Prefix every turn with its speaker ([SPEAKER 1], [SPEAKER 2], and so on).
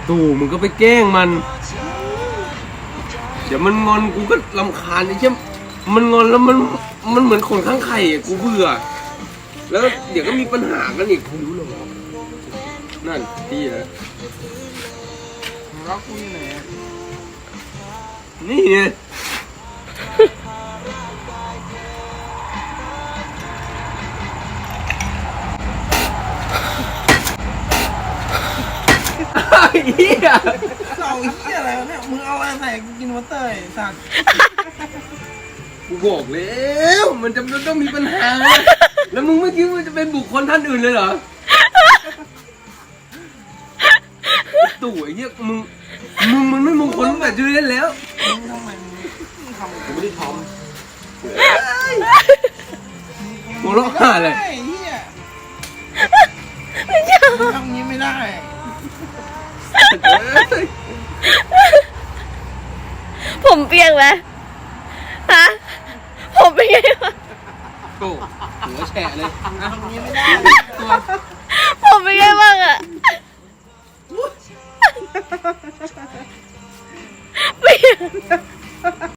[SPEAKER 1] ตู่มึงก็ไปแกล้งมันเดี๋ยวมันงอนกูก็รำคาญไอ้เชี่ยมันงอนแล้วมันเหมือนขนข้างไข่อะกูเบื่อแล้วเดี๋ยวก็มีปัญหากันอีกรู้หรอนั่นพี่นะ
[SPEAKER 2] รักกูอยู่ไหน
[SPEAKER 1] นี่ไงไอ้เหี้ย
[SPEAKER 2] เสาเหี้ยอะไรวะเนี่ยมึงเอาอะไรใส่กูกินวอเตอร์ไอ้สัตว์
[SPEAKER 1] กูบอกแล้วมันจะต้องมีปัญหาแล้วมึงไม่คิดว่าจะเป็นบุคคลท่านอื่นเลยเหรอตู่ไอ้เหี้ยมึงมันไม่มงคลตั้งแต่ชื่อเล่นแล้ว
[SPEAKER 2] มึงทำไมมึงทำ
[SPEAKER 1] กูไม่ได้ทำมึงร้องไห้เลย
[SPEAKER 2] ไอ้เหี้ย
[SPEAKER 3] ไม่ใช่
[SPEAKER 2] มึงทำงี้ไม่ได้
[SPEAKER 3] ผมเปียกไหมฮะผมเป็นไงวะ
[SPEAKER 1] โอ้หัวแฉะเลย
[SPEAKER 2] มึงทำงี้ไม่ได้
[SPEAKER 1] ตัว